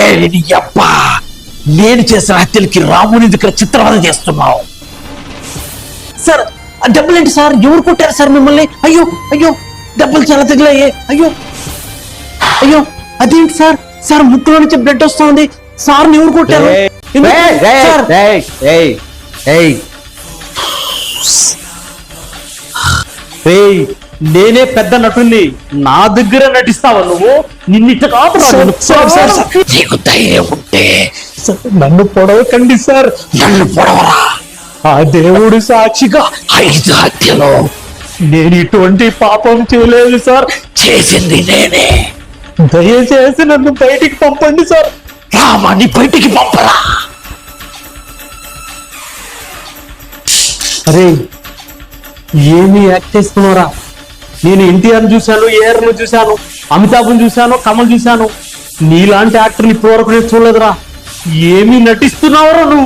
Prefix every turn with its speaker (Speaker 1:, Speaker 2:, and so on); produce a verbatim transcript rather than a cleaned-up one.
Speaker 1: అబ్బా, నేను చేసిన హత్యలకి రాముని దగ్గర చిత్రవద చేస్తున్నావు. సార్ డబ్బులు ఏంటి సార్? ఎవరు కొట్టారు సార్ మిమ్మల్ని? అయ్యో అయ్యో, డబ్బులు చాలా తగిలాయే. అయ్యో అయ్యో, అదేంటి సార్? సార్ ముక్కులో నుంచి బ్లడ్ వస్తుంది. సార్ ఎవరు కొట్టారు?
Speaker 2: నేనే పెద్ద నటుని, నా దగ్గర నటిస్తావా నువ్వు? నిన్నిట కాదు.
Speaker 1: నీకు ధైర్యం ఉంటే
Speaker 2: నన్ను పొడవకండి సార్.
Speaker 1: నన్ను పొడవరా.
Speaker 2: ఆ దేవుడు సాక్షిగా
Speaker 1: ఐదు హత్యలో
Speaker 2: నేను ఇటువంటి పాపం చేయలేదు సార్.
Speaker 1: చేసింది నేనే.
Speaker 2: దయచేసి నన్ను బయటికి పంపండి సార్.
Speaker 1: రామాన్ని బయటికి పంపరా.
Speaker 2: అరే ఏమి యాక్ట్ చేస్తున్నారా? నేను ఎన్టీఆర్ చూశాను, ఏఆర్ ను చూశాను, అమితాబ్ని చూశాను, కమల్ చూశాను. నీలాంటి యాక్టర్ని ఇప్పటివరకు నేను చూడలేదురా. ఏమి నటిస్తున్నావురా నువ్వు?